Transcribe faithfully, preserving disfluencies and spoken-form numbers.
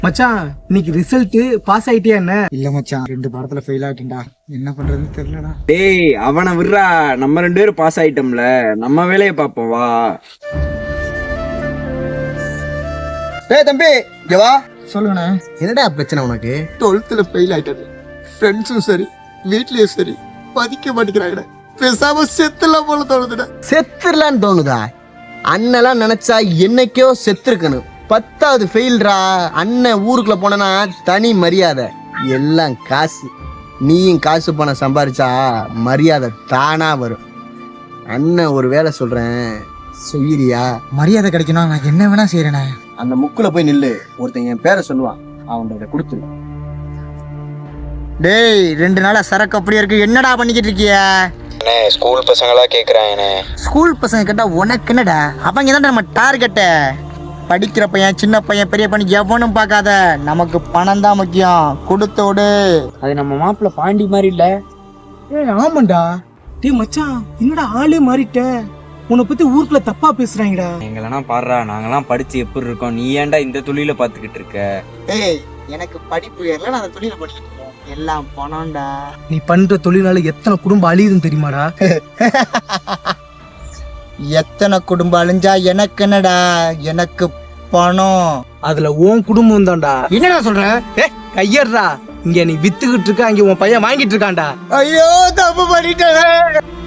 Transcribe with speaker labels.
Speaker 1: மச்சான் இன்னைக்கு result pass ஆயிட்டியா என்ன?
Speaker 2: இல்ல மச்சான், ரெண்டு பாடத்துல ஃபெயில் ஆகிட்டேன்டா. என்ன பண்றதுன்னு தெரியலடா.
Speaker 3: டேய் அவனை விடுறா, நம்ம ரெண்டு பேரும் பாஸ் ஆயிட்டோம்ல, நம்ம வேலையை பார்ப்போம் வா.
Speaker 4: டேய் தம்பி இங்க வா.
Speaker 2: சொல்லுங்கண்ணே.
Speaker 4: என்னடா பிரச்சனை உனக்கு?
Speaker 2: டுவெல்த்ல ஃபெயில் ஆயிட்டது. ஃப்ரெண்ட்ஸும் சரி வீட்லயும் சரி மதிக்க மாட்டேங்கிறாங்கடா. பேசாம செத்துலாம் போல தோணுதுடா.
Speaker 4: செத்துடலான்னு தோணுதா? அண்ணெல்லாம் நினைச்சா என்னைக்கோ செத்துருக்கணும். பத்தாவது ஃபெயில்ரா. அண்ணன் ஊருக்குள்ள போனா தனி மரியாதை. எல்லாம் காசு. நீயும் காசு பணம் சம்பாரிச்சா மரியாதை தானா வரும். அண்ணன் ஒரு வேலை சொல்றேன், செய்யறியா?
Speaker 2: மரியாதை கிடைக்கணும், நான் என்ன வேணா செய்யறேனே.
Speaker 4: அந்த முக்குல போய் நில்லு. ஒருத்தன் என் பேரை சொல்லுவான், அவன்கிட்ட கொடுத்துரு. டேய், ரெண்டு நாளா சரக்கு அப்படியே இருக்கு. என்னடா பண்ணிக்கிட்டு இருக்கிய?
Speaker 3: ஸ்கூல் பசங்களா கேக்குறாங்க.
Speaker 4: ஸ்கூல் பசங்க கேட்டா உனக்கு என்னடா? அவங்க தான் நம்ம டார்கெட்ட. படிக்கிற பையன், சின்ன பையன், பெரிய பையன் எவனும் பார்க்காத. நமக்கு பணம் தான் முக்கியம். கொடுத்தோடு.
Speaker 3: அது நம்ம மாப்பிள்ள பாண்டி மாதிரி இல்ல?
Speaker 1: ஏ ஆமாண்டா. டேய் மச்சான், என்னடா ஆளே மாறிட்ட? உன்னை பத்தி ஊருக்குள்ள தப்பா பேசுறாங்கடா.
Speaker 3: எங்களெல்லாம் பாடுறா, நாங்கெல்லாம் படிச்சு எப்படி இருக்கோம், நீ ஏன்டா இந்த தொழில பாத்துக்கிட்டு இருக்க?
Speaker 4: ஏய், எனக்கு படிப்பு ஏறல, நான் அந்த தொழில படிக்கிட்டு இருக்கேன். எல்லாம் பணம்டா.
Speaker 1: நீ பண்ற தொழிலால எத்தனை குடும்பம் அழியுதுன்னு தெரியுமாடா?
Speaker 4: எத்தனை குடும்பம் அழிஞ்சா எனக்கு என்னடா? எனக்கு பணம்.
Speaker 1: அதுல உன் குடும்பம் தான்டா.
Speaker 4: என்னடா சொல்ற?
Speaker 1: ஏ கையறா. இங்க நீ வித்துக்கிட்டு இருக்க, அங்க உன் பையன் வாங்கிட்டு இருக்கான்டா.
Speaker 4: ஐயோ, தப்பு பண்ணிட்டேன்.